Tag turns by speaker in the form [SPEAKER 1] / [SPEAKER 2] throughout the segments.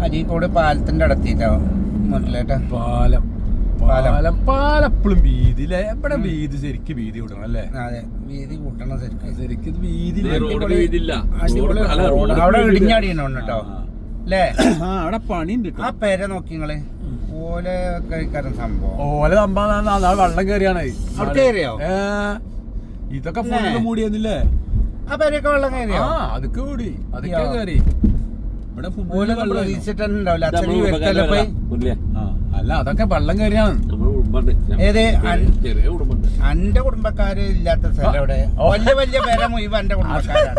[SPEAKER 1] അരീക്കോട് പാലത്തിന്റെ അടുത്തിട്ടോ മുന്നിലേട്ടാ.
[SPEAKER 2] പാലം പാലം പാലപ്പോഴും വീതിയിലെ എവിടെ വീതി ശരിക്കും വീതി കൂട്ടണം അല്ലേ?
[SPEAKER 1] അതെ, വീതി കൂട്ടണം
[SPEAKER 2] ശരിക്കും വീതി.
[SPEAKER 1] അവിടെ ഇടിഞ്ഞാടിയുണ്ട് കേട്ടോ അല്ലേ?
[SPEAKER 2] അവിടെ പണിയുണ്ട്.
[SPEAKER 1] ആ പേരെ നോക്കി നിങ്ങള്. ഓല കഴിക്കാരൻ സംഭവം.
[SPEAKER 2] ഓല സംഭവം വെള്ളം കയറിയാണ്.
[SPEAKER 1] അവിടെ കയറിയോ?
[SPEAKER 2] ഇതൊക്കെ ഫുള്ള് മൂടിയെന്നില്ലേ?
[SPEAKER 1] ആ പേരൊക്കെ വെള്ളം കയറിയോ?
[SPEAKER 2] അതൊക്കെ കൂടി, അതൊക്കെ കയറി. ഇവിടെ
[SPEAKER 1] പ്രതീക്ഷിച്ചിട്ടുണ്ടാവില്ല. അച്ഛനീ വ്യക്തല്ലേ പോയി.
[SPEAKER 2] അല്ല, അതൊക്കെ വെള്ളം കയറിയാണ്.
[SPEAKER 1] ഏത് അന്റെ കുടുംബക്കാര് ഇല്ലാത്ത സ്ഥലം ഇവിടെ വലിയ വലിയ പേരെ മുഴുവൻ എന്റെ കുടുംബക്കാരാണ്.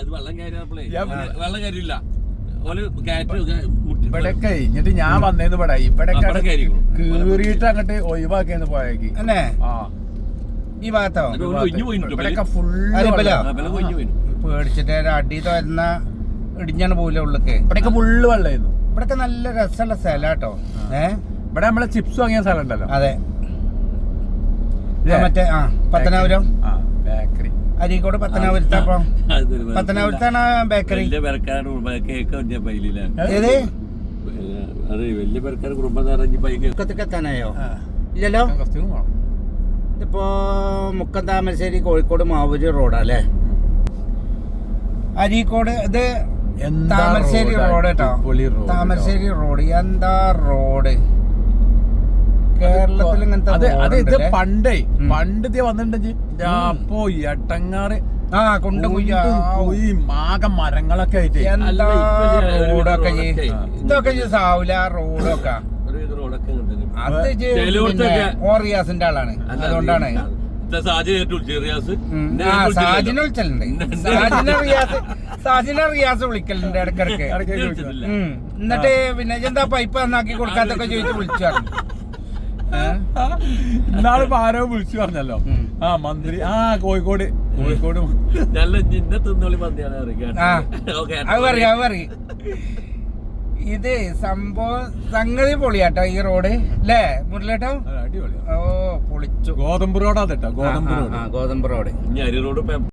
[SPEAKER 2] ഇവിടെ കഴിഞ്ഞിട്ട് ഞാൻ വന്നേന്ന് ഇവിടെ കീറിയിട്ട് അങ്ങോട്ട് ഒഴിവാക്കിയെന്ന് പോയേക്ക്.
[SPEAKER 1] അല്ലേ? ഈ ഭാഗത്തോ
[SPEAKER 2] ഇവിടെയൊക്കെ ഫുള്ള്
[SPEAKER 1] പേടിച്ചിട്ട് അടി തോരുന്ന ഇടിഞ്ഞാണ് പോവില്ല ഉള്ളിക്ക്.
[SPEAKER 2] ഇവിടെയൊക്കെ ഫുള്ള് വെള്ളമായിരുന്നു.
[SPEAKER 1] ഇവിടെയൊക്കെ നല്ല രസമുള്ള സ്ഥലം കേട്ടോ.
[SPEAKER 2] ഇവിടെ നമ്മളെ ചിപ്സ് വാങ്ങിയ സ്ഥലം ഉണ്ടല്ലോ.
[SPEAKER 1] അതെ, മറ്റേ പത്തനാപുരം
[SPEAKER 2] ബേക്കറി.
[SPEAKER 1] അരീക്കോട് പത്തനാപുരത്തപ്പം പത്തനാപുരത്താണ് ബേക്കറി. ഏത് മുക്കത്തെത്താനായോ? ഇല്ലല്ലോ. ഇതിപ്പോ മുക്കം താമരശ്ശേരി കോഴിക്കോട് മാവൂര് റോഡല്ലേ? അരീക്കോട് ഇത് താമരശ്ശേരി റോഡ് കേട്ടോ. താമരശ്ശേരി റോഡ് എന്താ റോഡ് കേരളത്തിൽ ഇങ്ങനത്തെ
[SPEAKER 2] പണ്ടേ വന്നിട്ടുണ്ടെങ്കിൽ അപ്പോ എട്ടങ്ങാറ് ആകെ മരങ്ങളൊക്കെ ആയിട്ട്
[SPEAKER 1] എന്താ റോഡൊക്കെ ഇതൊക്കെ സാവൂല റോഡൊക്കെ. അത് ഓറിയാസിന്റെ ആളാണ്, അതുകൊണ്ടാണ് സാജിനെ വിളിച്ചലുണ്ട്. സാജിനെ റിയാസ് വിളിക്കലുണ്ട് ഇടക്കിടക്ക്. എന്നിട്ട് പിന്നെ എന്താ പൈപ്പ് നന്നാക്കി കൊടുക്കാത്തൊക്കെ ചോദിച്ചു വിളിച്ചു.
[SPEAKER 2] ഇന്നാള് ആരോ വിളിച്ചു പറഞ്ഞല്ലോ. മന്ത്രി കോഴിക്കോട്
[SPEAKER 1] അത് പറയും. ഇത് സംഭവം സംഗതി പൊളിയാട്ടോ ഈ റോഡ് അല്ലേ മുരളിയേട്ടോ?
[SPEAKER 2] അടിപൊളി.
[SPEAKER 1] ഓ പൊളിച്ചു.
[SPEAKER 2] ഗോതമ്പ് റോഡാ കേട്ടോ. ഗോതമ്പ് റോഡ്.
[SPEAKER 1] ഗോതമ്പ് റോഡ്.